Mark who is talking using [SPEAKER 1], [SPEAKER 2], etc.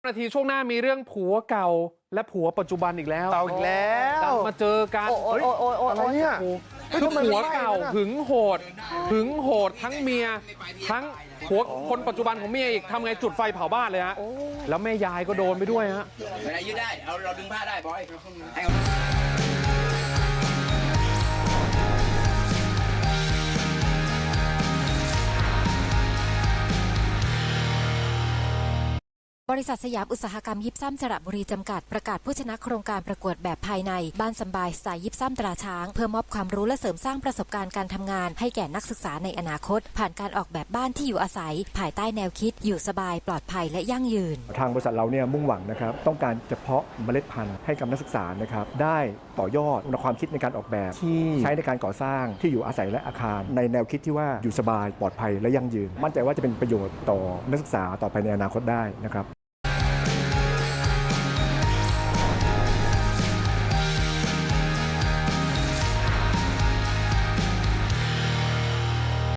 [SPEAKER 1] นาทีช่วงหน้ามีเรื่องผัวเก่าและผัวปัจจุบันอีกแล้ว
[SPEAKER 2] เก่าอีกแล้ว
[SPEAKER 1] มาเจอกัน
[SPEAKER 2] อะไรเนี่ย
[SPEAKER 1] คือผัวเก่าหึงโหดทั้งเมียทั้งผัวคนปัจจุบันของเมียอีกทำไงจุดไฟเผาบ้านเลยฮะแล้วแม่ยายก็โดนไปด้วยฮะ
[SPEAKER 3] อะไรยืดได้เราดึงผ้าได้บอย
[SPEAKER 4] บริษัทสยามอุตสาหกรรมยิปซัมสระบุรีจำกัดประกาศผู้ชนะโครงการประกวดแบบภายในบ้านสบายสไตล์ยิปซัมตราช้างเพื่อมอบความรู้และเสริมสร้างประสบการณ์การทำงานให้แก่นักศึกษาในอนาคตผ่านการออกแบบบ้านที่อยู่อาศัยภายใต้แนวคิดอยู่สบายปลอดภัยและยั่งยืน
[SPEAKER 5] ทางบริษัทเราเนี่ยมุ่งหวังนะครับต้องการจะเพาะเมล็ดพันธุ์ให้กับนักศึกษานะครับได้ต่อยอดความคิดในการออกแบบที่ใช้ในการก่อสร้างที่อยู่อาศัยและอาคารในแนวคิดที่ว่าอยู่สบายปลอดภัยและยั่งยืนมั่นใจว่าจะเป็นประโยชน์ต่อนักศึกษาต่อไปในอนาคตได้นะครับ